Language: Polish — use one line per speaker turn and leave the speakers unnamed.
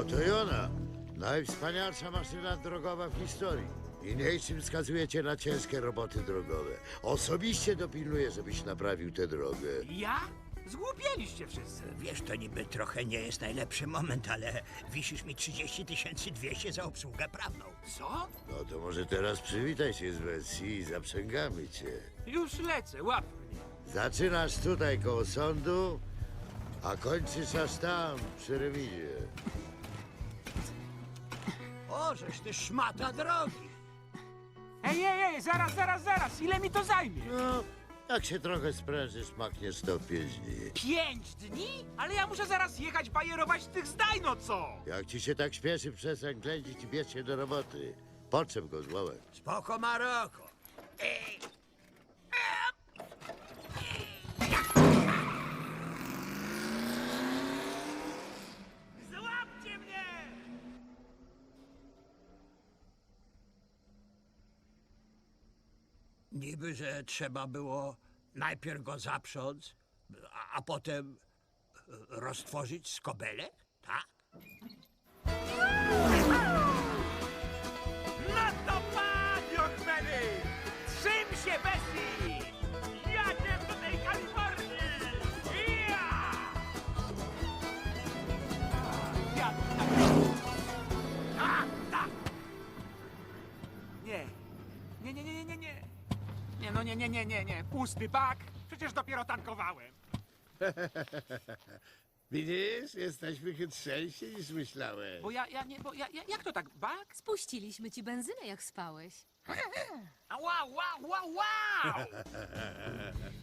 Oto i ona. Najwspanialsza maszyna drogowa w historii. Niniejszym wskazujecie na ciężkie roboty drogowe. Osobiście dopilnuję, żebyś naprawił tę drogę.
Ja? Zgłupieliście wszyscy.
Wiesz, to niby trochę nie jest najlepszy moment, ale wisisz mi 30 200 za obsługę prawną.
Co?
No to może teraz przywitaj się z wersji i zaprzęgamy cię.
Już lecę, łap mnie.
Zaczynasz tutaj koło sądu, a kończysz aż tam, przy remizie.
O, żeś ty szmata drogi.
Ej, zaraz, ile mi to zajmie?
No, jak się trochę sprężysz, makniesz to w 5 dni.
5 dni? Ale ja muszę zaraz jechać bajerować tych zdaj, no co?
Jak ci się tak śpieszy, przestań ględzić i bierz się do roboty. Potrzeb go złomek.
Spoko, Maroko.
Złapcie mnie!
Niby, że trzeba było najpierw go zaprząc, a potem roztworzyć skobelek, tak?
No to padł, Ochmeny! Trzym się, Bessie! Jadę do tej Kalifornii! Ja! Ja tak. Tak! Nie. Nie, no nie. Pusty bak. Przecież dopiero tankowałem.
Widzisz, jesteśmy chytrzejsi niż myślałeś.
Bo jak to tak, bak?
Spuściliśmy ci benzynę, jak spałeś.
Wow!